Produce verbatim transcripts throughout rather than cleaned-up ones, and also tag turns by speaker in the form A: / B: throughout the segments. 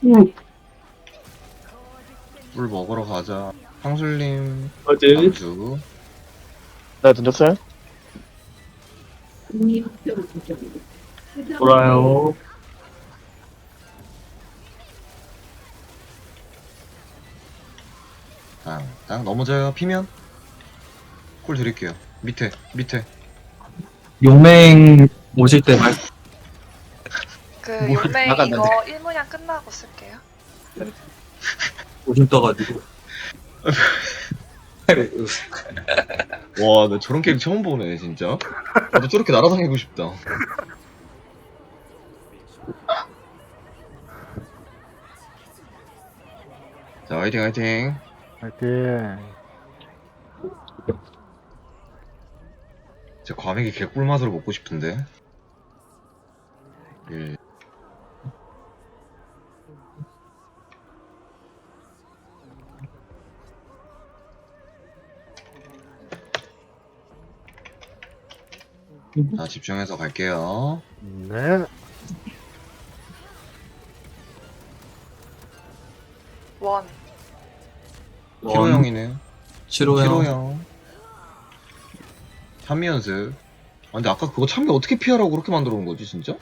A: 물 먹으러 가자. 황술님
B: 어디?
A: 암수.
C: 네, 던졌어요?
B: 돌아요.
A: 땅, 땅 넘어져요. 피면 콜 드릴게요. 밑에, 밑에.
B: 용맹 오실 때 말,
D: 그
B: 뭘
D: 용맹
B: 나갔는데.
D: 이거 일문양 끝나고 쓸게요.
B: 오줌 떠가지고.
A: 와, 나 저런 캐릭 처음 보네, 진짜. 나도 저렇게 날아다니고 싶다. 자, 화이팅, 화이팅.
E: 화이팅.
A: 제 과메기 개꿀맛으로 먹고 싶은데. 예. 자, 집중해서 갈게요.
E: 네.
D: 원.
A: 히로 형이네요.
B: 싫어요.
A: 히로 형. 참미 연습. 아, 근데 아까 그거 참미 어떻게 피하라고 그렇게 만들어 놓은 거지, 진짜?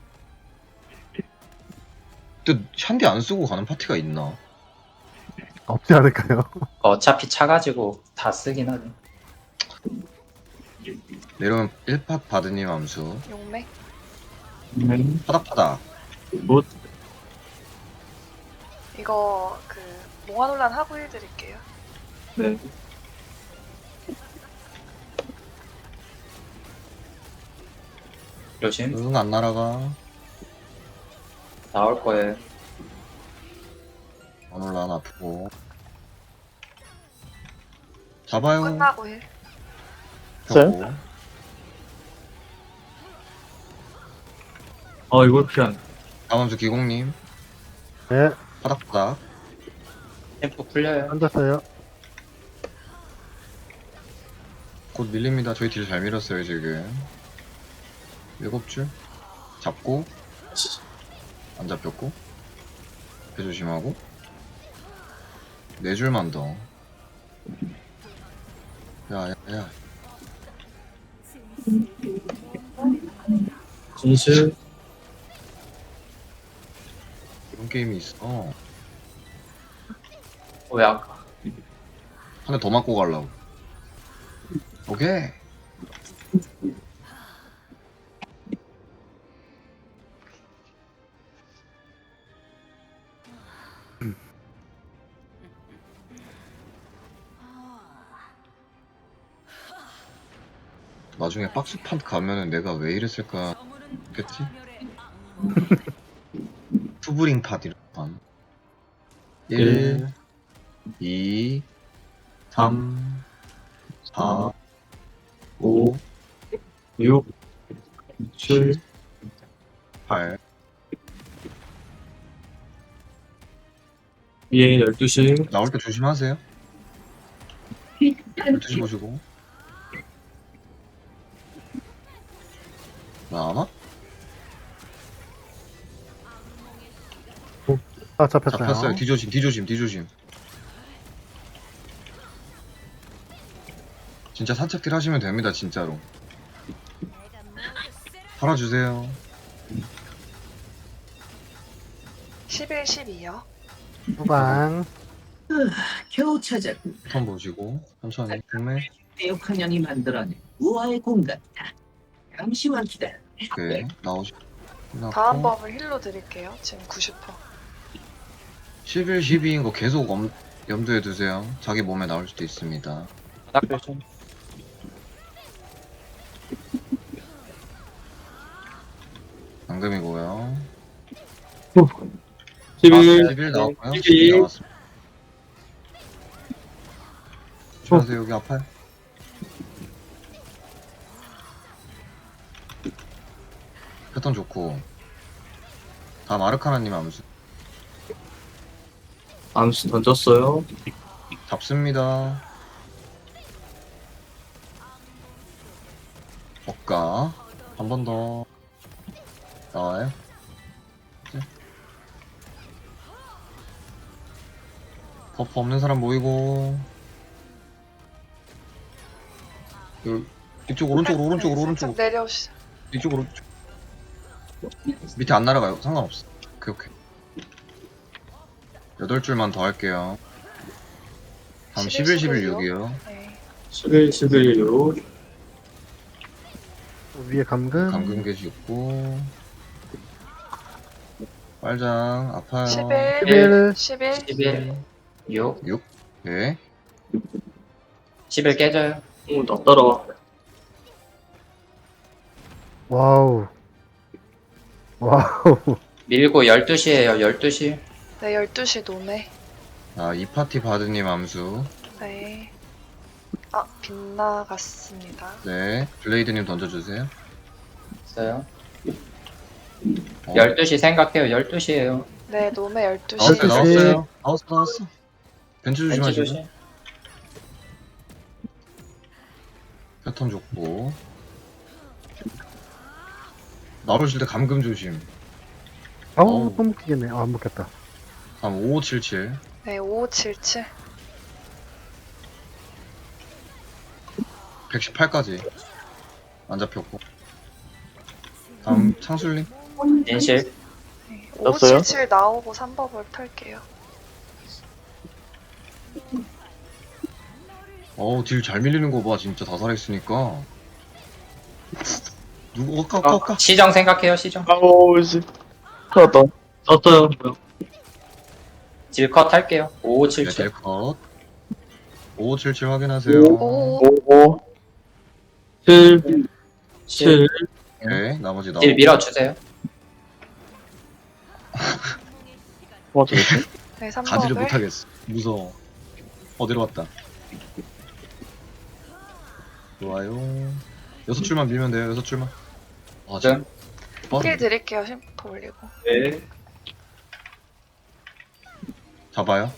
A: 근데 샨디 안 쓰고 가는 파티가 있나?
E: 없지 않을까요?
F: 어차피 차가지고 다 쓰긴 하네.
A: 내려오면 일 팟 바드님 암수.
D: 용맹.
B: 음,
A: 파닥파닥.
B: 뭐,
D: 이거 그 몽환혼란 하고 해드릴게요.
B: 네.
F: 조심.
A: 응, 안 날아가.
F: 나올 거예요.
A: 오늘 난 아프고. 잡아요.
D: 끝나고 해.
A: 펴고.
B: 어, 이걸 피한.
A: 다음 암수 기공님.
E: 네.
A: 파닥파닥.
F: 템포 풀려요.
E: 앉았어요.
A: 곧 밀립니다. 저희 딜 잘 밀었어요, 지금. 일곱 줄. 잡고. 안 잡혔고. 배 조심하고. 네 줄만 더. 야, 야, 야.
B: 진실.
A: 이런 게임이 있어.
F: 왜 아까?
A: 한 대 더 맞고 가려고. 오케이. 나중에 박스판 가면은 내가 왜 이랬을까 했겠지? 투브링 팟 이런 판. 일, 이, 삼, 사, 오,
B: 육, 칠,
A: 팔.
B: 예, 열두 시.
A: 나올 때 조심하세요. 열두 시 보시고. 나와나?
E: 아, 잡혔어요.
A: 잡혔어요. 뒤조심, 뒤조심, 뒤조심. 진짜 산책길 하시면 됩니다, 진짜로. 팔아주세요.
D: 십일, 십이요.
E: 후방.
G: 겨우 찾았군.
A: 턴 보시고 천천히 국내.
G: 대역한 년이 만들어낸 우아의 공간이다. 잠시만 기다려.
A: 오케이 나오시.
D: 다음 법을 힐로 드릴게요. 지금 구십 퍼센트.
A: 십일, 십이인 거 계속 엄, 염두에 두세요. 자기 몸에 나올 수도 있습니다.
F: 딱 조심.
A: 방금이고요.
B: 십일.
A: 십일 나왔고요.
B: 십이.
A: 십이 나왔습니다. 조심하세요. 여기 아파요. 패턴 좋고. 다음 아르카나님 암수.
B: 암수 던졌어요.
A: 잡습니다. 억가. 한 번 더. 나와요. 버프 없는 사람 모이고. 그, 이쪽 오른쪽으로 오른쪽으로
D: 네,
A: 오른쪽으로.
D: 살짝 내려오시.
A: 이쪽으로. 밑에 안 날아가요. 상관없어. 오케이 오케이. 여덟 줄만 더 할게요. 다음 십일, 십일, 육이요.
D: 네.
B: 십일, 십일, 육.
E: 위에 감금.
A: 감금 게시 있고. 빨장 아파요.
D: 십일,
E: 십일.
D: 십일,
F: 십일, 육,
A: 육. 네.
F: 십일 깨져요.
B: 어, 나 따라와.
E: 와우. 와우.
F: 밀고 열두 시에요. 열두 시.
D: 네, 열두 시 노메.
A: 아, 이 파티 바드님 암수.
D: 네. 아, 빗나갔습니다.
A: 네. 블레이드님 던져주세요.
F: 있어요.
A: 어,
F: 열두 시 생각해요. 열두 시에요.
D: 네, 노메 열두 시.
A: 나왔어요,
E: 열두 시.
A: 나왔어요. 나왔어, 나왔어. 벤츠
F: 벤치
A: 조심하시고.
F: 조심.
A: 패턴 좋고. 나오실 때 감금 조심.
E: 아우,
A: 어우.
E: 또 묶이겠네. 아, 안 묶였다.
A: 다음 오오칠칠.
D: 네, 오오칠칠.
A: 백십팔까지. 안 잡혔고. 다음 창술님.
F: 인실.
D: 네,
C: 떴어요?
D: 오오칠칠 나오고 삼 법을 털게요.
A: 어우, 딜 잘 밀리는 거 봐. 진짜 다 살아있으니까. 누구, 어까, 어까, 어까.
F: 시정 생각해요. 시정.
C: 아우, 씨. 큰일 났다.
B: 떴어요. 뭐야.
F: 딜컷 할게요.
A: 네,
F: 오오칠칠.
A: 딜컷. 오오칠칠 확인하세요.
D: 오,
C: 오,
B: 칠, 칠.
A: 네, 나머지 나오고.
F: 딜 밀어주세요.
C: 오. 맞췄지?
D: 네, 삼
A: 가지를
D: 법을.
A: 못하겠어. 무서워. 어, 내려왔다. 좋아요. 여섯 줄만 밀면 돼요, 여섯 줄만. 아,
F: 네.
A: 어,
D: 힐 드릴게요. 심포 올리고.
B: 네.
A: 잡아요.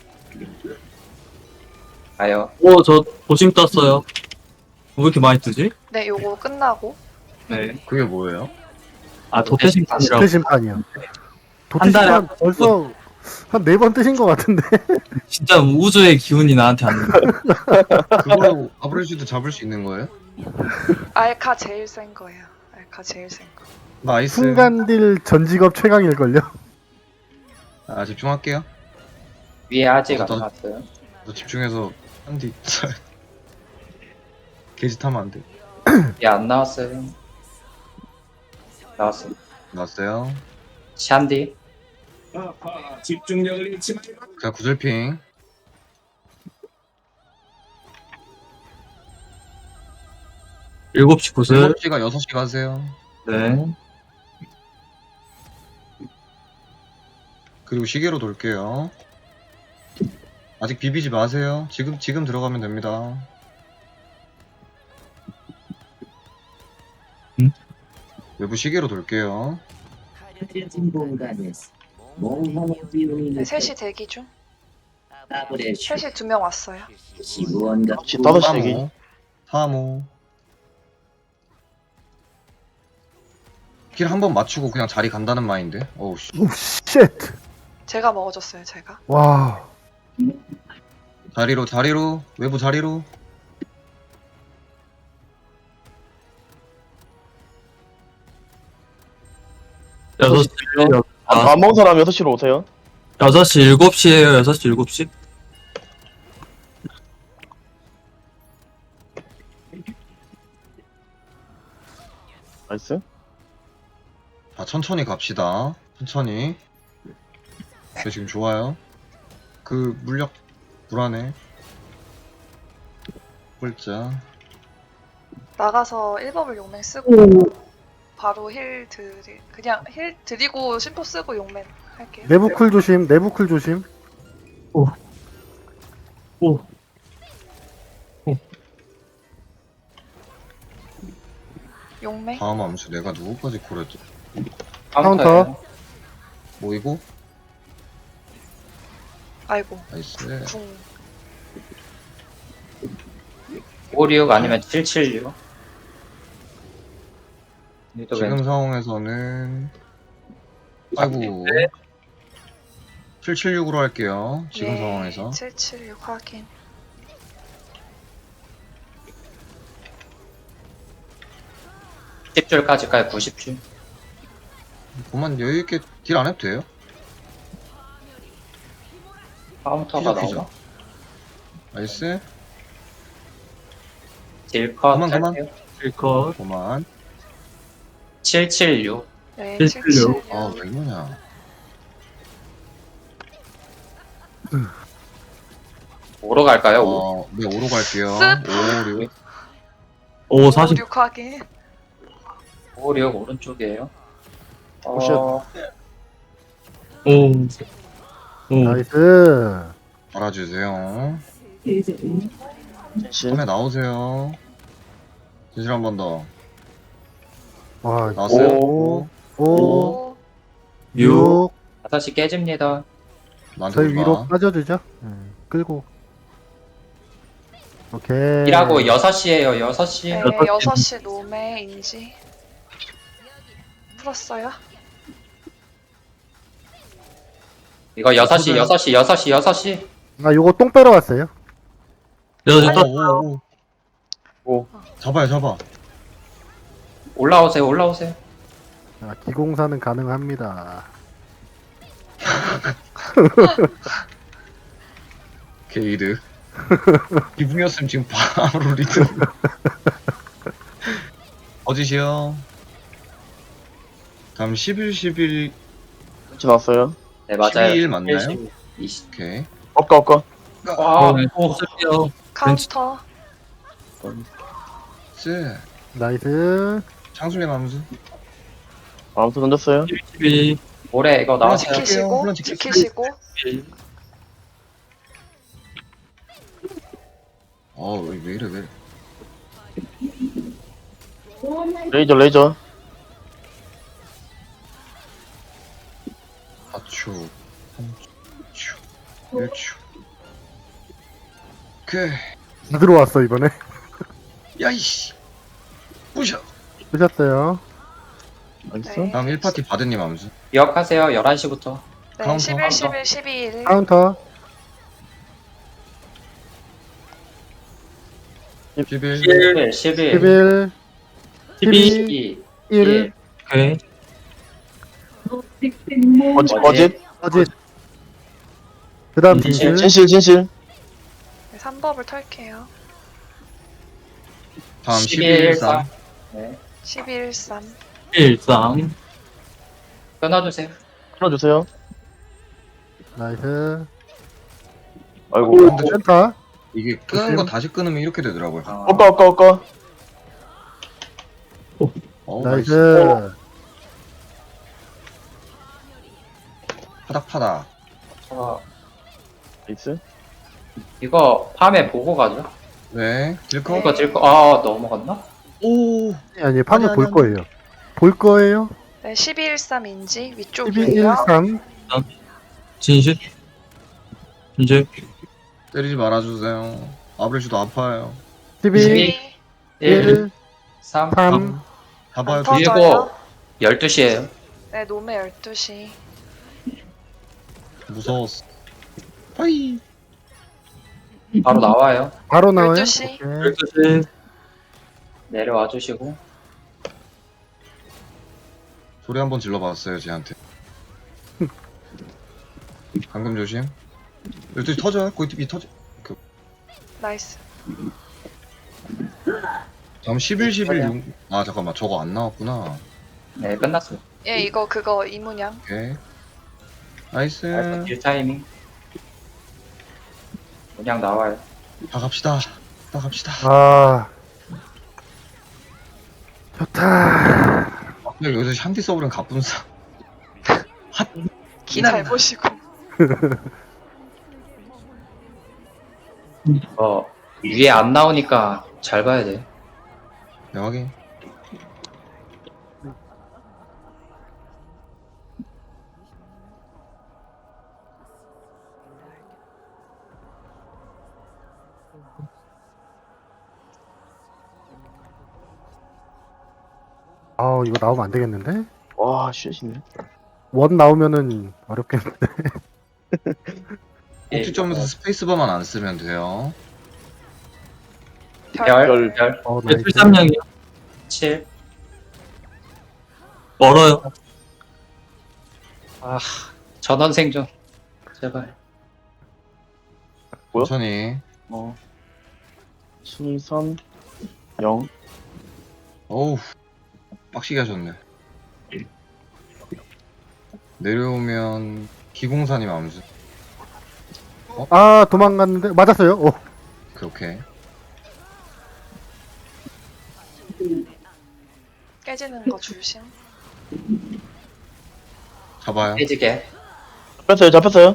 F: 가요.
B: 오, 저 도심 떴어요. 왜 이렇게 많이 뜨지?
D: 네, 요거 끝나고.
B: 네.
A: 그게 뭐예요?
B: 아, 도태심판이라고.
E: 도태 심판이요. 도태
B: 한 달에
E: 심판
B: 한
E: 벌써 한 네 번 뜨신 것 같은데.
B: 진짜 우주의 기운이 나한테 안 나.
A: 그걸로 아브레지도 잡을 수 있는 거예요?
D: 알카 제일 센 거예요. 알카 제일 센 거.
A: 나이스.
E: 순간딜 전 직업 최강일걸요?
A: 아, 집중할게요.
F: 위에 아직 안
A: 어떤-
F: 나왔어요.
A: 너 집중해서 한뒤 게지 타면 안 돼.
F: 위에 안 나왔어요. 나왔어요.
A: 나왔어요.
F: 샨디.
G: 집중력을 잃지 말고.
A: 자, 구슬핑.
B: 일곱 시 구슬.
A: 일곱 시가 여섯 시 가세요.
B: 네.
A: 그리고 시계로 돌게요. 아직 비비지 마세요. 지금 지금 들어가면 됩니다.
B: 응?
A: 외부 시계로 돌게요.
G: 가려진 공간에서 몽환의 기운이
D: 네, 셋이 대기 중.
G: 나불의
D: 셋이 두 명 왔어요.
G: 시 무언가
C: 혹시 다섯 시 대기?
A: 삼호. 삼호. 길 한 번 맞추고 그냥 자리 간다는 마인드. 어우 씨.
E: 오, 쉣.
D: 제가 먹어줬어요, 제가.
E: 와.
A: 자리로 자리로 외부 자리로.
B: 여섯 시,
C: 아, 안 먹은 사람 여섯 시로 오세요.
B: 여섯 시, 일곱 시에요. 여섯 시, 일곱 시.
C: 나이스.
A: 자, 천천히 갑시다. 천천히. 저 지금 좋아요. 그 물력 불안해. 꼴자.
D: 나가서 일 법을 용맹 쓰고 바로 힐 드리 그냥 힐 드리고 심포 쓰고 용맹 할게요.
E: 내부 쿨 조심. 내부 쿨 조심.
B: 오.
D: 용맹.
A: 다음 암수 내가 누구까지 고렸지?
D: 카운터.
A: 모이고.
D: 아이고
A: 나이스.
D: 궁.
F: 오육육 아니면 칠칠육.
A: 지금 상황에서는 아이고 칠칠육으로 할게요. 지금
D: 예,
A: 상황에서.
D: 칠칠육 확인.
F: 십 줄까지 가요. 구십 줄.
A: 그만 여유있게 딜 안 해도 돼요.
F: 카운터가
A: 피죠, 피죠.
F: 나오나?
A: 나이스.
F: 딜컷
A: 그만, 그만.
F: 할게요.
B: 킬컷.
A: 그만.
F: 칠칠육.
D: 네,
B: 칠칠육.
D: 칠칠육.
A: 아, 왜 이러냐.
F: 오로 갈까요? 오.
A: 어, 네, 오로 갈게요.
D: 쓱.
A: 오, 육.
B: 오, 사십.
D: 육 확인.
F: 오륙 오른쪽이에요.
C: 오쉣.
F: 어,
B: 오. 오.
E: 나이스.
A: 알아주세요.
C: 진실.
A: 처음에 나오세요. 진실 한 번 더.
E: 와,
A: 나왔어요?
C: 오.
E: 오,
D: 오.
B: 육.
E: 육.
F: 다시 깨집니다.
A: 나한테
E: 저희
A: 오지
E: 위로
A: 마.
E: 빠져주죠. 음, 끌고. 오케이.
F: 일하고 여섯 시에요. 여섯 시.
D: 네,
B: 여섯
D: 여섯 시 노메 인지. 풀었어요?
F: 이거 여섯 시,
A: 저도요.
F: 여섯 시, 여섯 시, 여섯 시.
E: 아, 요거 똥 빼러 왔어요.
B: 여섯 시
A: 오,
B: 떴.
A: 오, 오.
C: 오.
A: 잡아요, 잡아.
F: 올라오세요. 올라오세요.
E: 아, 기공사는 가능합니다.
A: 게이드. 기분이었으면 지금 바로 리드. 어지시요. 다음 십일, 십일,
C: 진실 나왔어요.
F: 네, 맞아요.
A: 십이 일 맞나요?
F: 십일, 이십.
A: 오케이.
C: 엇가, 엇가.
F: 와,
B: 네,
F: 오,
B: 쓸게요.
D: 카운터.
A: 쎄.
E: 나이스.
A: 창술님 함수.
C: 아무튼 던졌어요.
B: 십이.
F: 올해 이거 나왔어요.
A: 지킬게요.
D: 지키시고,
A: 물론 지킬게요.
D: 지키시고.
A: 어, 왜, 왜 이래, 왜 이래.
C: 레이저, 레이저.
A: 사 초, 삼 초, 일 초. 오케이.
E: 다 들어왔어, 이번에.
A: 야이씨. 부셔.
E: 쓰셨어요.
C: 나이스.
D: 네.
A: 다음 일 파티 바드님 함수.
F: 기억하세요. 열한 시부터.
D: 네,
A: 카운터,
D: 십일,
F: 카운터.
D: 십일, 십이일.
E: 카운터.
A: 십일.
F: 십일, 십일,
E: 십일,
B: 십이.
F: 십이,
E: 일.
B: 오케이.
C: 어짓, 어짓.
E: 어짓. 그 다음
B: 진실.
E: 진실.
C: 진실, 진실.
D: 네, 삼 법을 털게요.
A: 다음
F: 십일,
A: 십일, 삼.
F: 네.
D: 십일, 삼.
B: 일삼.
F: 끊어주세요.
C: 끊어주세요.
E: 나이스.
C: 아이고.
E: 센터.
A: 이게 끄는 거 다시 끊으면 이렇게 되더라고요.
F: 어,
C: 엇가, 엇가, 엇가.
A: 어, 나이스.
E: 나이스.
A: 파닥파닥.
F: 저,
C: 나이스.
F: 이거 밤에 보고 가죠.
A: 네. 딜커.
F: 이거 질거 아 넘어갔나?
A: 오.
E: 아니, 판을
A: 아니,
E: 볼
A: 아니,
E: 거예요. 볼 거예요.
D: 네, 십이, 삼 인지
E: 십이, 일,
D: 위쪽이에요.
E: 삼.
B: 진실. 진실.
A: 때리지 말아주세요. 아브레슈도 아파요.
E: 십이,
F: 십이, 일,
E: 일,
F: 삼,
E: 삼.
A: 잡아요.
D: 안 터져요.
F: 그리고 열두 시에요.
D: 네, 노메 열두 시.
A: 무서웠어. 빠이.
F: 바로 나와요.
E: 바로 나와요.
D: 열두 시.
E: 오케이.
B: 열두 시.
F: 내려와 주시고.
A: 소리 한번 질러봤어요, 쟤한테. 방금 조심. 열두 시 터져요? 거기 티비 터져.
D: 나이스.
A: 다음 십일, 십일, 육. 아, 잠깐만. 저거 안 나왔구나.
F: 네, 끝났어요.
D: 예, 이거 그거 이문양.
A: 오케이. 나이스.
F: 알파 딜 타이밍. 그냥 나와요.
A: 다 갑시다. 다 갑시다.
E: 아. 좋다.
A: 근데 여기서 샨디 서브는 갑분사.
D: 키 잘 보시고.
F: 어, 위에 안 나오니까 잘 봐야 돼.
A: 네, 확인.
E: 아, 이거 나오면 안 되겠는데?
C: 와, 쉣이네.
E: 원 나오면은 어렵겠는데.
A: 꼭지점에서 스페이스바만 안 쓰면 돼요.
D: 별.
F: 별, 별,
E: 어,
B: 네,
E: 나이스.
B: 칠삼령이요.
F: 칠.
B: 멀어요.
F: 아, 전원 생존. 제발.
C: 뭐야?
A: 천천히.
C: 어. 칠, 삼, 영.
A: 어우, 빡시게 하셨네. 내려오면 기공사님 암수.
E: 아, 도망갔는데 맞았어요. 오.
A: 오케이, 오케이.
D: 깨지는 거 조심.
A: 잡아요.
F: 깨지게.
C: 잡혔어요, 잡혔어요.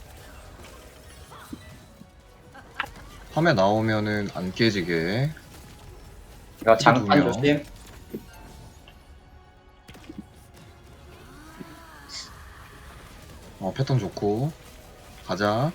A: 화면 나오면은 안 깨지게.
F: 이거 장판
A: 누구요?
F: 조심.
A: 어, 패턴 좋고. 가자.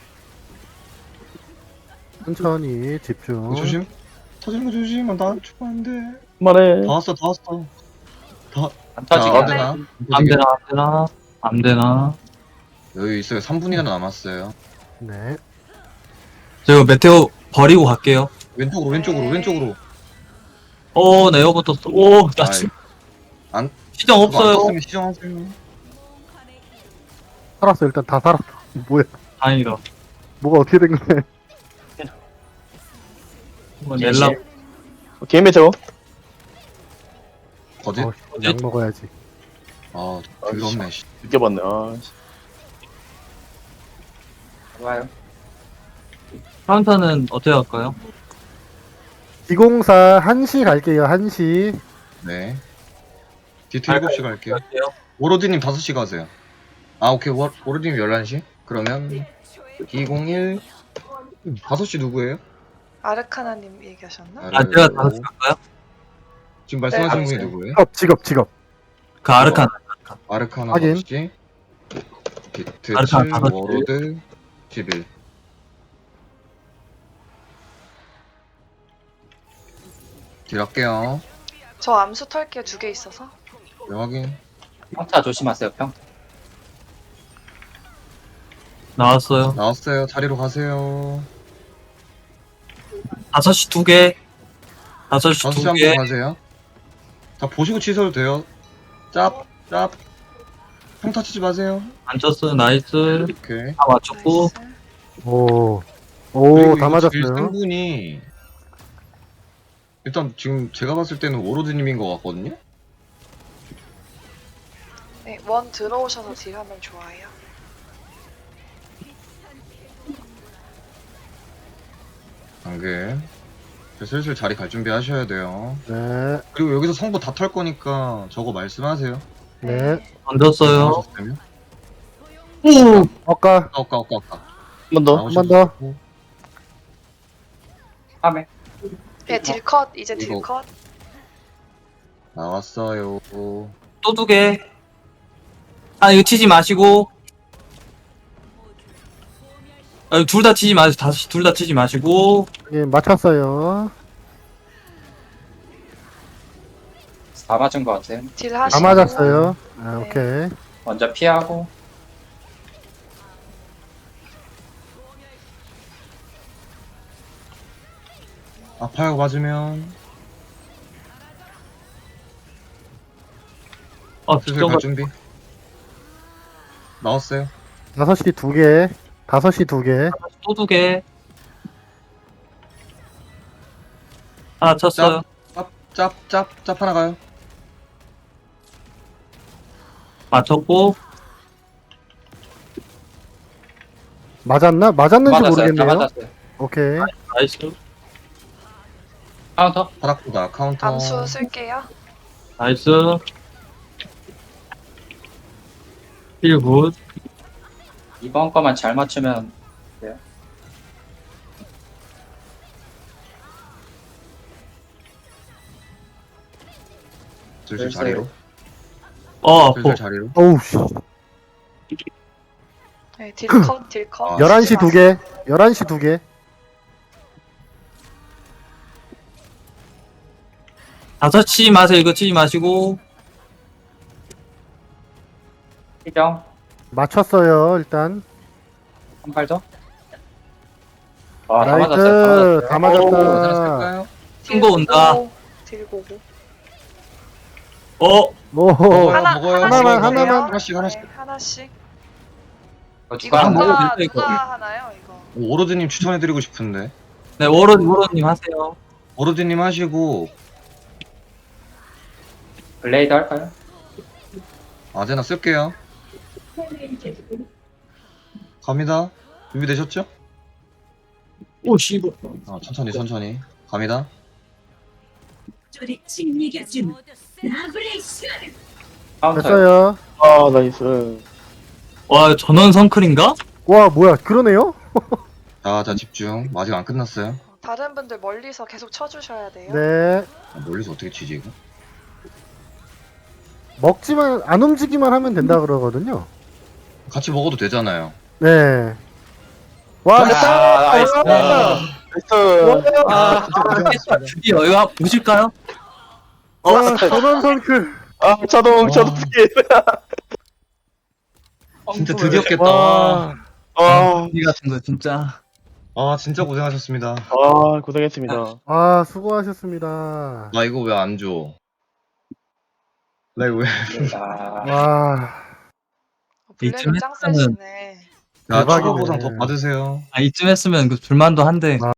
E: 천천히 집중.
A: 이거 조심. 터지는 거 조심. 나 죽으면 안 돼.
C: 그만해.
A: 다 왔어, 다 왔어. 다.
F: 안
A: 자,
F: 터지게.
A: 안 되나?
B: 안 되나, 안 되나, 안 되나.
A: 여기 있어요. 삼 분이나 남았어요.
E: 네.
B: 제가 메테오 버리고 갈게요.
A: 왼쪽으로, 왼쪽으로,
D: 네.
A: 왼쪽으로.
B: 오, 나 에어컨 떴어. 오, 나
A: 아이,
B: 지금
A: 안-
B: 시정
A: 그거 안
B: 없어요.
A: 떴으면 시정하세요.
E: 살았어. 일단 다 살았어. 뭐야?
B: 다행이다.
E: 뭐가 어떻게 된 거야?
B: 한번 낼라.
C: 개인 메테오.
A: 거짓?
E: 어, 약 먹어야지.
A: 아, 더럽네, 씨.
C: 느껴봤네. 아, 씨.
F: 좋아요.
B: 카운터는 어떻게 할까요?
E: 기공사 한 시 갈게요. 한 시.
A: 네. 디트 일곱 시 갈게요.
B: 갈게요.
A: 워로드님 다섯 시 가세요. 아, 오케이. 워, 워로드님 열한 시? 그러면 이공일 다섯 시 누구예요?
D: 아르카나님 얘기하셨나?
B: 아, 제가 다섯 시 갈까요?
A: 지금 말씀하신
D: 네,
A: 분이
F: 알았어요.
A: 누구예요?
E: 직업, 직업, 직업.
B: 그 아르칸.
A: 아르카나
E: 확인.
A: 다섯 시, 디트
B: 아르카나
A: 칠,
B: 다섯 시.
A: 워로드 십일. 딜 할게요.
D: 저 암수 털게 두 개 있어서.
A: 네, 확인.
F: 평타 조심하세요, 평.
B: 나왔어요.
A: 나왔어요. 자리로 가세요.
B: 다섯 시 두 개. 다섯 시
A: 다섯 시
B: 두
A: 한
B: 개.
A: 번 가세요. 다 보시고 치셔도 돼요. 짭, 짭. 평타 치지 마세요.
B: 안 쳤어요. 나이스.
A: 오케이.
B: 다 맞췄고.
D: 나이스.
E: 오.
A: 그리고
E: 오, 다
A: 이거 제일 센
E: 맞았어요.
A: 분이 일단 지금 제가 봤을 때는 워로드님인 것 같거든요.
D: 네, 원 들어오셔서 딜하면 좋아요.
A: 방금 이제 슬슬 자리 갈 준비 하셔야 돼요.
E: 네.
A: 그리고 여기서 성부 다 털 거니까 저거 말씀하세요.
E: 네.
B: 던졌어요.
A: 나오셨으면.
B: 오!
E: 아까
A: 아까 아까 아까 아까.
C: 한 번 더.
E: 한 번 더.
F: 화면.
D: 네, 딜컷 이제
A: 이거.
D: 딜컷.
A: 나왔어요.
B: 또 두 개. 아, 이거 치지 마시고. 아, 둘 다 치지 마시고. 다시 둘 다 치지 마시고.
E: 예, 맞췄어요.
F: 다 맞은 것 같아요.
D: 딜
E: 다
D: 하시고.
E: 맞았어요. 아,
D: 네.
E: 오케이.
F: 먼저 피하고.
A: 아파요 맞으면.
B: 아,
A: 슬슬
B: 진짜
A: 갈 준비. 나왔어요.
E: 다섯 시 두 개. 다섯 시 두 개.
B: 또 두 개. 하나 쳤어요.
A: 짭, 짭, 짭, 짭 하나 가요.
B: 맞췄고.
E: 맞았나? 맞았는지
F: 맞았어요. 다
E: 모르겠네요.
F: 맞았어요.
E: 오케이.
B: 나이스.
F: 카운터.
A: 바닥보다 카운터.
D: 암수 쓸게요.
B: 나이스. 힐 굿.
F: 이번 거만 잘 맞추면 돼요.
A: 슬슬
F: 글쎄요.
A: 자리로.
B: 어, 아파.
A: 슬슬 자리로.
E: 어우, 씨.
D: 네, 딜컷 딜컷.
A: 아,
E: 열한 시 두 개. 열한 시 두 개.
B: 다섯 치지 마세요. 이거 치지 마시고.
F: 희경.
E: 맞췄어요, 일단.
F: 한 발 더? 아, 다 맞았어요. 다
E: 나이스. 다
A: 하나
E: 맞았다.
A: 쓸까요?
B: 큰 거 온다.
D: 들고 오고.
B: 어?
E: 오.
D: 하나,
A: 먹어요.
D: 하나씩
E: 하나만,
D: 먹어요.
E: 하나만.
A: 하나씩, 하나씩.
D: 네, 하나씩.
F: 이거
D: 이거
F: 누가 한
B: 먹어도
F: 번?
D: 누가,
B: 될까, 이거?
D: 누가 하나요, 이거?
A: 오로드님 추천해드리고 싶은데.
B: 네, 워런, 워런님 하세요.
A: 오로드님 하시고
F: 블레이드 할까요?
A: 아제나 쓸게요. 갑니다. 준비되셨죠?
B: 오, 씨발.
A: 아, 천천히 천천히 갑니다.
G: 저리 칭리겨준 나블레이스.
F: 카운터요.
E: 됐어요.
C: 아, 나이스.
B: 와, 전원 성클인가?
E: 와, 뭐야. 그러네요?
A: 자, 자 집중. 아직 안 끝났어요.
D: 다른 분들 멀리서 계속 쳐주셔야 돼요.
E: 네.
A: 아, 멀리서 어떻게 치지 이거?
E: 먹지만, 안 움직이만 하면 된다 그러거든요.
A: 같이 먹어도 되잖아요.
E: 네. 와, 됐다!
F: 아, 나이스.
C: 나이스.
B: 아, 드디어, 이거 한번 보실까요?
E: 와, 전원 선크.
C: 아, 자동, 자동 스킬.
A: 진짜 드디어 깼다.
C: 와. 아,
B: 이 같은 거, 진짜.
A: 아 진짜 고생하셨습니다.
C: 아, 고생했습니다.
E: 아, 수고하셨습니다.
A: 나 이거 왜 안 줘? 나 이거 왜?
F: 아,
E: 와.
D: 어, 블랙이
B: 이쯤
D: 짱
B: 했으면은-
D: 세시네.
A: 나
E: 대박이네.
A: 추가 보상 더 받으세요.
B: 아, 이쯤 했으면 그 불만도 한데.